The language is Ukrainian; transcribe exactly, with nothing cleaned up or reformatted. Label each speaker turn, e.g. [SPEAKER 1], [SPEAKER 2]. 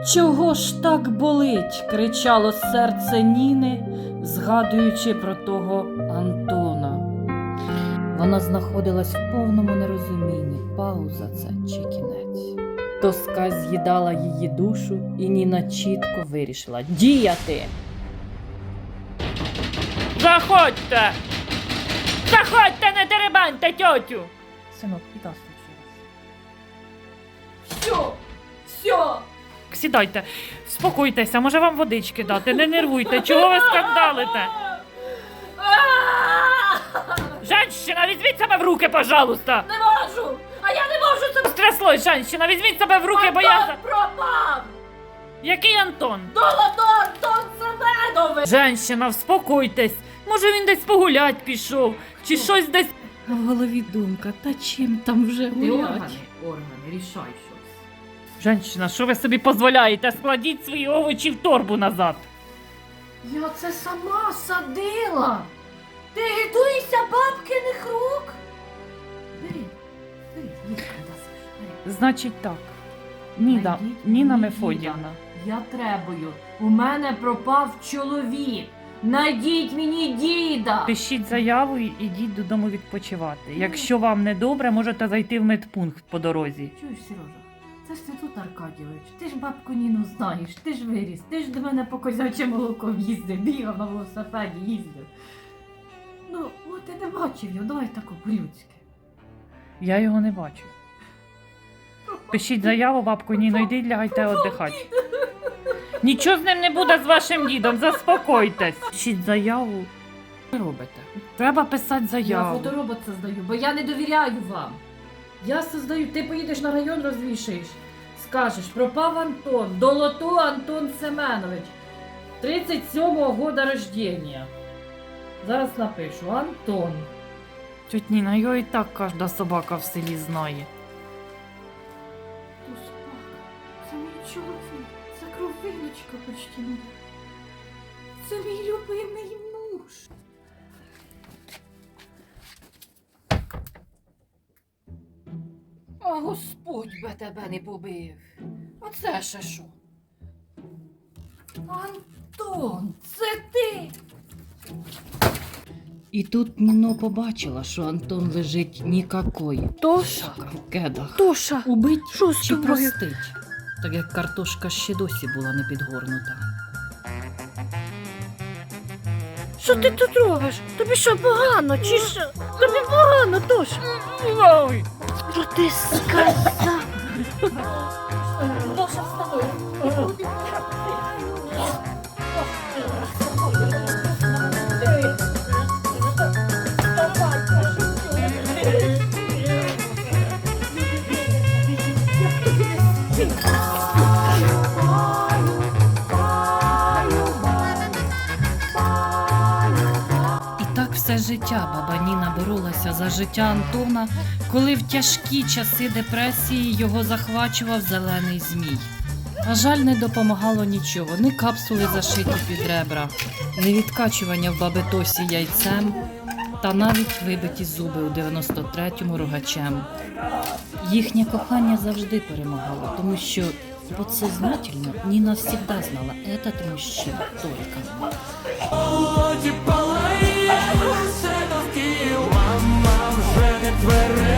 [SPEAKER 1] Чого ж так болить? Кричало серце Ніни, згадуючи про того Антона. Вона знаходилась в повному нерозумінні, пауза це чи кінець. Тоска з'їдала її душу, і Ніна чітко вирішила діяти.
[SPEAKER 2] Заходьте! Заходьте, не деребаньте тьотю!
[SPEAKER 1] Синок, біда случилась.
[SPEAKER 2] Все, все! Сідайте, спокойтеся, може вам водички дати, не нервуйте, чого ви скандалите? Женщина, візьміть себе в руки, пожалуйста!
[SPEAKER 3] Не можу! А я не можу це...
[SPEAKER 2] Стряслось, женщина, візьміть себе в руки, бо я...
[SPEAKER 3] Антон пропав!
[SPEAKER 2] Який Антон?
[SPEAKER 3] Долодор Антон Семенович!
[SPEAKER 2] Женщина, вспокойтесь. Може він десь погулять пішов, чи щось десь...
[SPEAKER 1] А в голові думка, та чим там вже
[SPEAKER 3] Ти
[SPEAKER 1] гулять?
[SPEAKER 3] органи, органи, рішай щось.
[SPEAKER 2] Женщина, що ви собі дозволяєте? Складіть свої овочі в торбу назад.
[SPEAKER 3] Я це сама садила! Ти гидуєшся бабкиних рук? Бери, бери, їдь, бери.
[SPEAKER 2] Значить так. Ніна,
[SPEAKER 3] Найдіть
[SPEAKER 2] Ніна
[SPEAKER 3] мені
[SPEAKER 2] Мефодіївна.
[SPEAKER 3] Я требую. У мене пропав чоловік. Найдіть мені діда.
[SPEAKER 2] Пишіть заяву і йдіть додому відпочивати. Якщо вам не добре, можете зайти в медпункт по дорозі.
[SPEAKER 3] Чуєш, Сережа, це ж ти тут, Аркадійович. Ти ж бабку Ніну знаєш, ти ж виріс, ти ж до мене по козяче молоко їздив, бігав на велосипеді, їздив. Ну, от ти не бачив його, давай тако по-людськи.
[SPEAKER 2] Я його не бачу. Пишіть заяву, бабку Ніно, йдіть, лягайте віддихати. Нічого з ним не буде з вашим дідом, заспокойтесь. Пишіть заяву. Що робите? Треба писати
[SPEAKER 3] Я
[SPEAKER 2] заяву.
[SPEAKER 3] фоторобот создаю, бо я не довіряю вам. Я создаю, ти поїдеш на район, розвішаєш. Скажеш, пропав Антон, Долото Антон Семенович. тридцять сьомого года рождения. Зараз напишу, Антон.
[SPEAKER 2] Тьоть Ніна, його і так кожна собака в селі знає.
[SPEAKER 3] То собака, це мій чоловік, це кровиночка почти моя. Це мій любимий муж. А Господь би тебе не побив. А це ще що? Антон, це ти?
[SPEAKER 1] І тут Ніно побачила, що Антон лежить нікакой.
[SPEAKER 4] Тоша,
[SPEAKER 1] В кедах.
[SPEAKER 4] Тоша,
[SPEAKER 1] Убить
[SPEAKER 4] що з
[SPEAKER 1] чи
[SPEAKER 4] тобою?
[SPEAKER 1] простить? Так як картошка ще досі була не підгорнута.
[SPEAKER 4] Що ти тут робиш? Тобі що погано, чи що? Тобі погано, Тоша.
[SPEAKER 2] Ой!
[SPEAKER 4] Що ти сказав?
[SPEAKER 3] Тоша, вставай.
[SPEAKER 1] І так все життя баба Ніна боролася за життя Антона, коли в тяжкі часи депресії його захвачував зелений змій. На жаль, не допомагало нічого, ні капсули зашиті під ребра, ні відкачування в баби Тосі яйцем, та навіть вибиті зуби у дев'яносто третьому рогачем. Їхнє кохання завжди перемагало, тому що подсознательно Ніна завжди знала, этот мужчина только.
[SPEAKER 5] Володі палає, все навкіл, мама вже не твере.